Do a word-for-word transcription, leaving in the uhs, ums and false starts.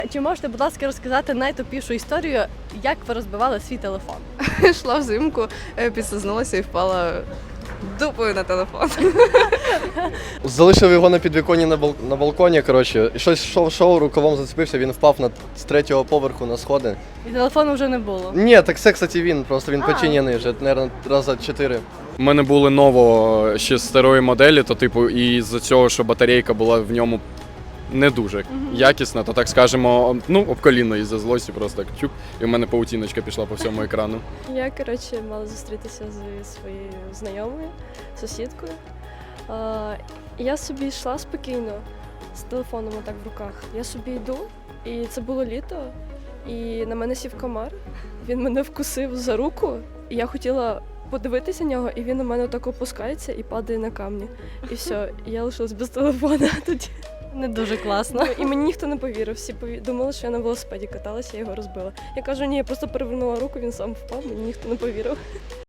Чи можете, будь ласка, розказати найтупішу історію, як ви розбивали свій телефон? Йшла взимку, е, підслизнулася і впала дупою на телефон. Залишив його на підвіконні на, бал... на балконі, коротше, і щось йшов, шоу, рукавом зацепився, він впав на... з третього поверху на сходи. І телефону вже не було. Ні, так це, кстати, він, просто він А. починений вже, мабуть, раза чотири. У мене були ново ще старої моделі, то типу, і з-за цього, що батарейка була в ньому не дуже якісна, то так скажемо, ну, об коліно із-за злості просто так чук, і в мене паутіночка пішла по всьому екрану. Я, коротше, мала зустрітися зі своєю знайомою, сусідкою. А, і я собі йшла спокійно з телефоном отак в руках. Я собі йду, і це було літо, і на мене сів комар. Він мене вкусив за руку, і я хотіла подивитися на нього, і він на мене так опускається і падає на камні. І все, і я лишилась без телефона тоді. Не дуже класно. Ну, і мені ніхто не повірив. Всі пові- думали, що я на велосипеді каталася, я його розбила. Я кажу, ні, я просто перевернула руку, він сам впав, мені ніхто не повірив.